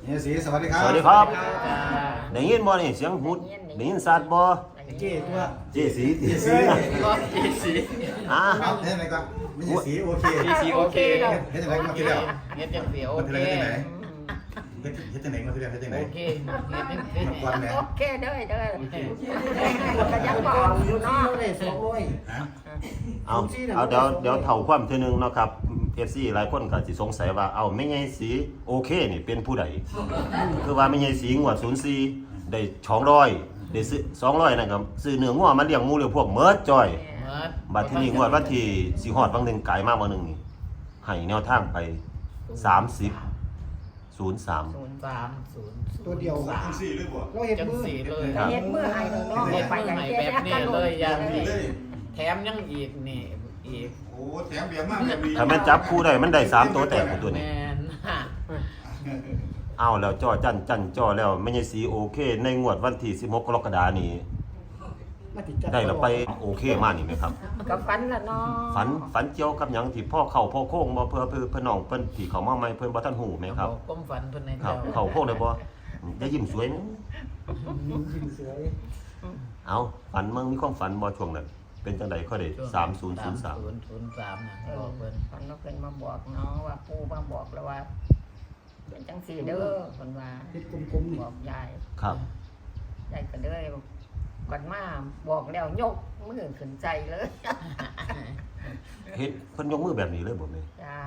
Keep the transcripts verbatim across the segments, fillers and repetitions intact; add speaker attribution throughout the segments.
Speaker 1: เฮียสีสวัสดีครับ
Speaker 2: สวัสดีครับได้ยินบ่นี่เสียงหูดได้ยินสัตว์บ่
Speaker 1: เจ๊ตัว
Speaker 2: เจสีเจสี
Speaker 3: เจสี
Speaker 2: อ่า
Speaker 1: ครับเฮ็ดอะไรก็ไม่ใช่สีโอเค
Speaker 3: เจสีโอเค
Speaker 1: เฮ็ดอะไรมาทีเดียว
Speaker 3: เฮ็ดจังสีโอเค
Speaker 1: เฮ็ดอะไรเฮ็ดเฮ็ดจังไหนมาทีเดียวเฮ็ดจังไหน
Speaker 3: โอเคเฮ็ดจังสี
Speaker 1: มาก่อนแม่
Speaker 4: โอเคเด้อเด้อก็ยังบอกอยู่เนาะ
Speaker 1: ฮะ
Speaker 2: เอาเอาเดี๋ยวเดี๋ยวเท่าความเทื่อนึงเนาะครับ เอฟ ซี หลายคนก็สิสงสัยว่าเอาแม่ใหญ่สีโอเคนี่เป็นผู้ใดคือว่าแม่ใหญ่สีงวดศูนย์สี่ได้สองร้อยได้ซื้อสองร้อยนั่นก็ซื้อเนื้องัวมาเลี้ยงหมูเลี้ยงพวกเมิดจ้อยบัดทีนี้งวดวันที่สิฮอดบางหนึงไกลมาบ่นึงนี่ให้แนวทางไปสามสิบ ศูนย์สาม
Speaker 3: ศูนย์สามศูนย์
Speaker 5: ตัวเดียว
Speaker 1: สามสี่เลยบ่
Speaker 5: เราเห็น
Speaker 3: จัง
Speaker 5: มือ
Speaker 3: สีเลย
Speaker 4: เฮ็ดมือให้เนาะ
Speaker 3: เฮ็ด
Speaker 4: ไป
Speaker 3: มือ
Speaker 4: อย่าง
Speaker 3: ให้
Speaker 4: เจ๊
Speaker 3: แบบนี้เลยอย่างนี้
Speaker 1: เลย
Speaker 3: แถมยังอีกนี่อีก
Speaker 1: โอ้แถมเบียร์มากแบบนี้
Speaker 2: ถ้าแม่นจับคู่ได้มันได้สามตัวแตกหมดตัว
Speaker 3: แม
Speaker 2: นี้
Speaker 3: นฮะ
Speaker 2: เอาแล้วจ้อจันจันจ้อแล้วแม่ใหญ่สีโอเคในงวดวันที่สิบหกกรกฎาคมนี้
Speaker 5: มาติดจับ
Speaker 2: ได้แล้วไปโอเคมากนี่ไหมครับ
Speaker 4: ก็ฝันละเนาะ
Speaker 2: ฝันฝันเกี่ยวกับหยังที่พ่อเข้าพ่อโค้งบ่เพื่อเพื่อเพื่อน้องเพิ่นที่เขามาใหม่เพิ่นบ่ทันหูไหมครับ
Speaker 3: ก้มฝันเพิ่นใน
Speaker 2: ครั
Speaker 3: เจ้า
Speaker 2: บเข้าโค้งได้บ่ได้ยิ้มสวยมั้ย
Speaker 5: ยิงเสือ
Speaker 2: เอาฝันมึงมีความฝันบ่ช่วงนั้นเป็นจังได๋ค่อยได้สามศูนย์ศูนย์สาม
Speaker 3: ศูนย์ศูนย์สามนะ
Speaker 4: เอ
Speaker 3: บอก
Speaker 4: อ
Speaker 3: เพิ่น
Speaker 4: ฝันว่าเพิ่นมาบอกเนาะว่าปู่มาบอกแล้วว่าเป็นจังซี่เด้อเพิ่นว่า
Speaker 5: ติดกลมๆนี่
Speaker 4: บอกยาย
Speaker 2: ครับ
Speaker 4: ยายก็เลยก่อนมาบอกแล้วยกมือขึ้นใจเลย
Speaker 2: เฮ็ดเพิ่นยกมือแบบนี้เลยบ่แม่
Speaker 4: จ้า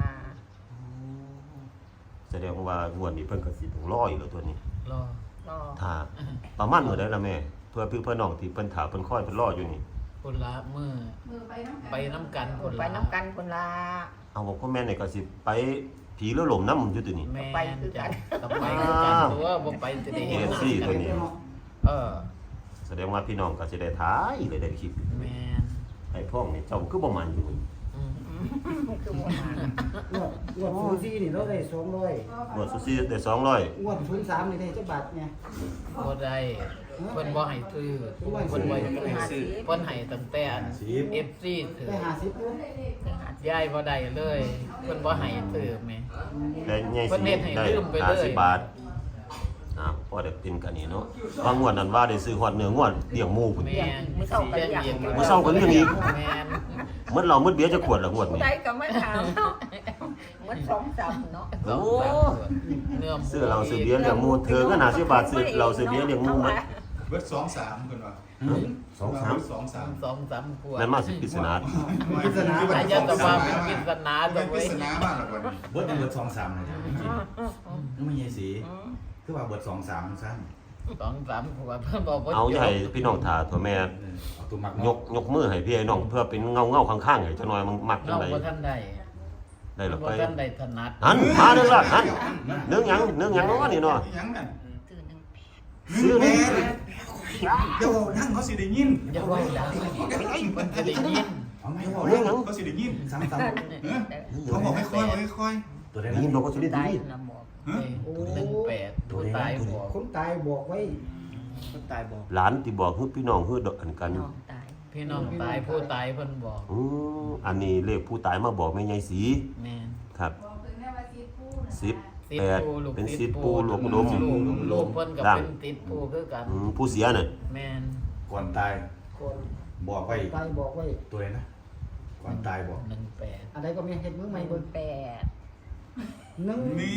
Speaker 2: แสดงว่างวดนี้เพิ่นก็สิต้องรออีกแล้วตัวนี้
Speaker 3: รอ
Speaker 4: เนาะ
Speaker 2: ถ้าประมาณมื้อใดล่ะแม่เพื่อพี่เพื่อน้องที่เพิ่นถาเพิ่นคอยเพิ่นรออยู่นี่
Speaker 3: คนละมือไปน้ำกันคน
Speaker 4: ไป
Speaker 3: ละ
Speaker 4: น้ำกันคนละ
Speaker 2: เอาบอกพ่อแม่นี่ก็สิไปผีเรือหลมน้ำอยู่ตัวนี้
Speaker 3: แม่
Speaker 4: ไปคือกัน
Speaker 3: ต้องไปคือกันตัวบ่ไปจะได้
Speaker 2: เอ
Speaker 3: เห็น
Speaker 2: ฟซีตัวนี้
Speaker 3: เออ
Speaker 2: แสดงว่าพี่น้องก็สิได้ท้ายเลยได้คลิป
Speaker 3: แม่น
Speaker 2: ไอ้พ่องนี่เจ้าคือบ่มันอยู่
Speaker 3: อืม
Speaker 4: คือบ่มา
Speaker 5: งวดงวดศูนย์สี่นี่เราได้สองร้อย
Speaker 2: งวดสุซี่ได้สองร้อย
Speaker 5: งวดศูนย์สามนี่ได้จักบาทเนี่ย
Speaker 3: บ่ได้เพิ่นบ่ให้ซื้อเพิ่นบ่ให้ซื้อเพิ่นให้ตั้งแต่อัน เอฟ ซี ถือ
Speaker 5: ได้ห้าสิบอยู่
Speaker 3: ย้ายบ่ได้เลยเพิ่นบ่ให้ซื้อแม่
Speaker 2: ได้ใหญ่
Speaker 3: เพิ่
Speaker 2: สิ
Speaker 3: นเฮ็ดให้
Speaker 2: ได้
Speaker 3: ลืมไปเลย
Speaker 2: ห้าสิบบาทอ่าพอได้กินกันนี่เนาะบางงวดนั้นว่าได้ซื้อฮอดเนื้องวดเลี้ยงหมูพุ่น
Speaker 3: แม่น
Speaker 4: มื้อเช้าก็เรียก
Speaker 2: มื้อเช้าก็เลี้ยงอีก
Speaker 3: แม่น
Speaker 2: หมดเหล้าหมดเบียร์จะขวดละงวด
Speaker 4: ผู้
Speaker 2: นี้
Speaker 4: ใดก็มาถามเนาะมันสองสามเนาะ
Speaker 2: โอ้
Speaker 3: เนื้อหมู
Speaker 2: ซื้อเหล้าซื้อเบียร์เลี้ยงหมูเธอก็ห้าสิบบาทซื้อเหล้าซื้อเบียร์เลี้ยงหมูหมด
Speaker 1: เบิร์ดสองสามคนว่า
Speaker 2: สองสาม
Speaker 1: สองสาม
Speaker 3: สองสามขวด
Speaker 2: นั่นมาสิปริศนา
Speaker 1: พิศนา
Speaker 3: อาจจะตะว่าเป็นปริศนา
Speaker 1: เป็
Speaker 3: ตั
Speaker 1: น
Speaker 3: ว
Speaker 1: พิ
Speaker 3: เว้ย
Speaker 1: ศนามากเลยวันนี้
Speaker 6: เบิร์ดเบิร์ดสองสามเลยจ้ะนี่มันยังสีคือว่าเบิร์ดสองสามสั้น
Speaker 3: สองสามขวดเพิ่นบอกว่า
Speaker 2: เอาอย่าให้พี่น้องถ่าตัวแม่
Speaker 6: เอาตัวมัก
Speaker 2: ยกยกมือให้พี่ไอ้น้องเพื่อเป็นเงาเงาๆข้างๆให้จังหน่อยมันมักจั
Speaker 3: น้
Speaker 2: ง
Speaker 3: อง
Speaker 2: ได
Speaker 3: บ่ทันได้
Speaker 2: ได้หรอ
Speaker 3: บ่
Speaker 2: ไป
Speaker 3: ทันได้ถนัด
Speaker 2: หันมาเด้อล่ะหันเนื้อหยังเนื้อหยังเนาะนี่เนาะ
Speaker 1: ยังนั่น
Speaker 4: ตื่นหนึง
Speaker 2: ซื้อ
Speaker 1: แม่
Speaker 2: นี่
Speaker 1: เดี๋ยวนั่งเขาสิได้ยิน
Speaker 3: อย่าว่าดังเพิ่นจะได้ยิน
Speaker 6: เอาไหม
Speaker 2: เนื้อหยัง
Speaker 1: เขาสิได้ยิน
Speaker 6: ซ้ำซ้
Speaker 1: เขาบอกให้ค่อยให้ค่อย
Speaker 6: ำตัวได้
Speaker 2: ได้ยินบอกว่าสิได้
Speaker 4: ตาย
Speaker 2: ดี
Speaker 4: นะบอก
Speaker 3: หนึ่งแปดผู้ตายบอก
Speaker 5: คนตายบอกไว้
Speaker 3: คนตายบอก
Speaker 2: หลานที่บอกคือพี่น้องคือดอกอันกัน
Speaker 4: น้องตาย
Speaker 3: พี่น้องตายผู้ตายเพิ่นบอก
Speaker 2: อืออันนี้เลขผู้ตายมาบอกแม่ใหญ่สี
Speaker 3: แม่น
Speaker 2: ครับสิบ
Speaker 3: ติด
Speaker 2: แปด
Speaker 3: ปูลูก
Speaker 2: เป็น
Speaker 3: ติ
Speaker 2: สิ
Speaker 3: ด
Speaker 2: บ
Speaker 3: ปู
Speaker 2: ปูหลวงอุดม
Speaker 3: ลูกลูกเพิ่นก็
Speaker 2: ล่าง
Speaker 3: เป็นติดปูคือกัน
Speaker 2: อืมผู้เสียน่ะ
Speaker 3: แม่น
Speaker 6: ก่อนตาย
Speaker 5: คน
Speaker 6: บอกไว้
Speaker 5: ตายบอกไว้
Speaker 6: ตัวไหนนะก่อนตายบอก
Speaker 3: หนึ่งแปด
Speaker 5: อะไรก็มีเห็ดมือใหม่เบิ่ง
Speaker 4: แปด
Speaker 5: หนึ่ง
Speaker 1: นี่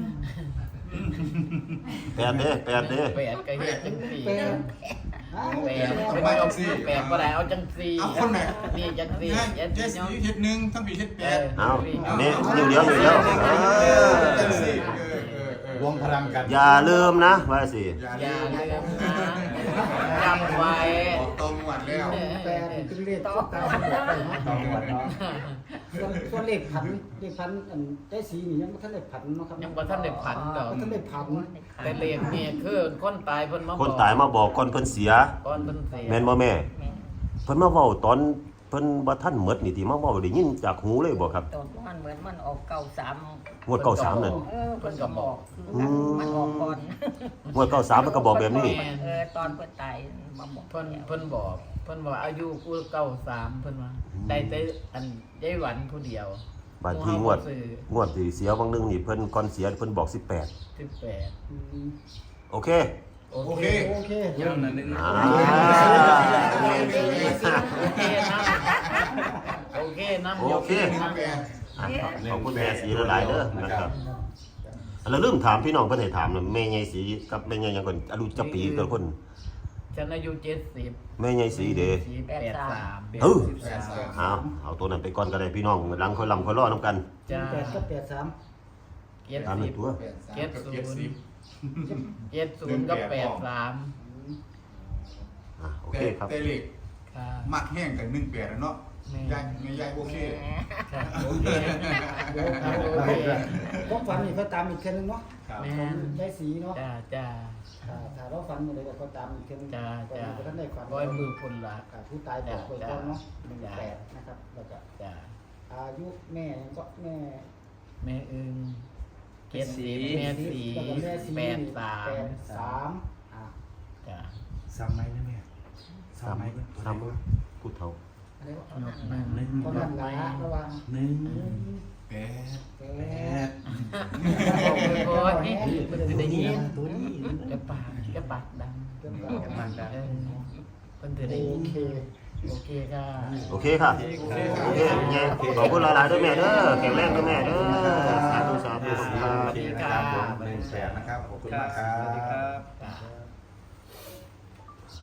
Speaker 2: แปดเด้แปดเด้
Speaker 3: แปดก็เฮ็ดจังสี่
Speaker 5: แปดอ้าว
Speaker 3: แปดเป็นยกแปดบ่ได้เอาจังสี่
Speaker 1: เอาคนไหน
Speaker 3: นี่จังสี่
Speaker 1: เจ็
Speaker 3: เจ็
Speaker 1: ด
Speaker 3: ด
Speaker 1: สี
Speaker 3: สี่
Speaker 1: เฮ็ดหนึ่งทั้งปีเฮ็ดแปด
Speaker 2: เอาอันนี้นิ้วเดียวนิ้วเดียวเออ
Speaker 1: เจ็ดสี่เออเออเออ
Speaker 6: รวมพลังกัน
Speaker 2: อย่าลืมนะว่าสิ
Speaker 1: อย่า
Speaker 3: อย่า
Speaker 1: ลืม
Speaker 3: ลืมนะจำไว้
Speaker 1: บอกตรงหวัดแล้ว
Speaker 5: แปดนี่เป็นเลขต่อตายบอกไว้เนาะ
Speaker 6: ต้องหมดเนาะ
Speaker 5: ส่วนส่วนเลขพันเลขพันอันได้สีนี่ยังบ่ทันได้พันเนาะครับ
Speaker 3: ยังบ่ทันได้ผันดอก
Speaker 5: บ่ทันได้พัน
Speaker 3: แต่เลขนี่คือคนตายเพิ่นมา
Speaker 2: คนตายมาบอกก่อนเพิ่นเสีย
Speaker 3: ก่อนเพิ่นเสีย
Speaker 2: แม่นบ่แม่
Speaker 4: แม่
Speaker 2: เพิ่นมาเว้าตอนเพิ่นบ่ทันหมดนี่ที่มาเว้าได้ยินจากหูเลยบ่ครับ
Speaker 4: ตอนมันเหมือนมันออกเก่าสาม
Speaker 2: งวดเก้าสามนั่น
Speaker 4: เออเพิ่นก็บอก
Speaker 2: อืม
Speaker 4: มันออกก่อน
Speaker 2: งวดเก้าสามมันก็บอกแบบนี้
Speaker 4: เออตอนเพิ่นตายมาบอก
Speaker 3: เพิ่นเพิ่นบอกเพิ่นว่าอายุกูเก้าสามเพิ่นว่าได้แต่อันยายหวันผู้เดียว
Speaker 2: บาดที่งวดงวดที่เสียบางนึงนี่เพิ่นก่อนเสียเพิ่นบอกสิบแปด
Speaker 3: สิบแปด
Speaker 5: อืม
Speaker 2: โอเค
Speaker 3: โอ
Speaker 1: โอ
Speaker 3: เค
Speaker 1: เค
Speaker 5: โอเค
Speaker 7: เรื่องนั้นนึง
Speaker 2: อ่า
Speaker 3: โอเคนะโอเคนะ
Speaker 2: โอเค
Speaker 1: หนึ่งแปด
Speaker 2: อ่ะขอบคุณแม่สีหลายๆเด้อนะครับแล้วลืมถามพี่น้องเพิ่นให้ถามน่ะแม่ใหญ่สีกับแม่ใหญ่หยังก่อนอายุจักปีเกินคน
Speaker 3: ฉันอายุเจ็ดสิบ
Speaker 2: แม่ใหญ่สีเด้
Speaker 3: สี่แปดสาม
Speaker 2: เออเอาเอาตัวนั้นไปก่อนก็ได้พี่น้องหลังค่อยลำค่อยรอนํกัน
Speaker 3: จ้า
Speaker 5: แปดกับแปดสาม
Speaker 3: เจ็ด
Speaker 2: ตาม
Speaker 3: สิ
Speaker 2: ใน
Speaker 3: บ
Speaker 2: ตัว
Speaker 1: แปดสามกับเจ็ดสิบ
Speaker 3: เจ็ดศูนย์กับแปดสาม
Speaker 2: อ่ะโอ
Speaker 1: แต่
Speaker 2: เคครับ
Speaker 1: แต่เล็ก
Speaker 3: ค่ะ
Speaker 1: มักแห้งกันหนึ่งแปดแล้วเนาะ
Speaker 3: แม่
Speaker 1: ยายไม่ยายโอเค
Speaker 3: ค่ะโอเคโอเค
Speaker 5: ผมฝันนี่ก็ตามอีกเทื่อนึงเนาะ
Speaker 1: ครับ
Speaker 3: แม่
Speaker 5: ของได้สีเนาะ
Speaker 3: จ้าจ้า
Speaker 5: ถ้าถ้าเราฝันอะไรก็ตามอีกเทื่อนึง
Speaker 3: จ้า
Speaker 5: ก็
Speaker 3: จ้า
Speaker 5: ท่านได้ฝัน
Speaker 3: ร้อยมือพลละ
Speaker 5: กับผู้ตายบอกไว้ก่อนเนาะหนึ่งแปดนะครับแล้วก็
Speaker 3: จ้า
Speaker 5: อายุแม่ก็แม่
Speaker 3: แม่อึงเจ็ดสิบแม่สี
Speaker 5: แล้วก็แม่สี
Speaker 3: แปดสาม
Speaker 5: แปดสามอ่ะ
Speaker 3: จ้า
Speaker 6: ซ้ำไหมนะแม่
Speaker 2: ซ้ำ
Speaker 6: ซ้ำไหม
Speaker 2: ซ้ำพูดเท่า
Speaker 5: อะไรวะ
Speaker 3: หนึ่ง
Speaker 6: หนึ่ง
Speaker 5: ก็นั่นละระวัง
Speaker 6: หนึ่ง
Speaker 1: แปด
Speaker 5: แป
Speaker 6: แป
Speaker 5: ด
Speaker 6: ด
Speaker 3: บอกเลยว่านี่มันจะได้ยิน
Speaker 6: ตัวนี้
Speaker 3: กระปากกระปากดัง
Speaker 5: เริ่ม
Speaker 3: กระปากดังเออมันจะได้
Speaker 5: โอ
Speaker 3: ยิน
Speaker 5: เค
Speaker 3: โอเคค่ะ
Speaker 2: โอเคค่ะโอเคแม่ขอบคุณหลายๆเด้อแม่เด้อแข็งแรงเด้อแม่เด้อสาธุสาธุขอบคุณครับ
Speaker 6: โอเคนะครับผมหนึ่งแปดนะครับขอบคุณมากครับ
Speaker 7: สวัสดีครับ
Speaker 3: จ้า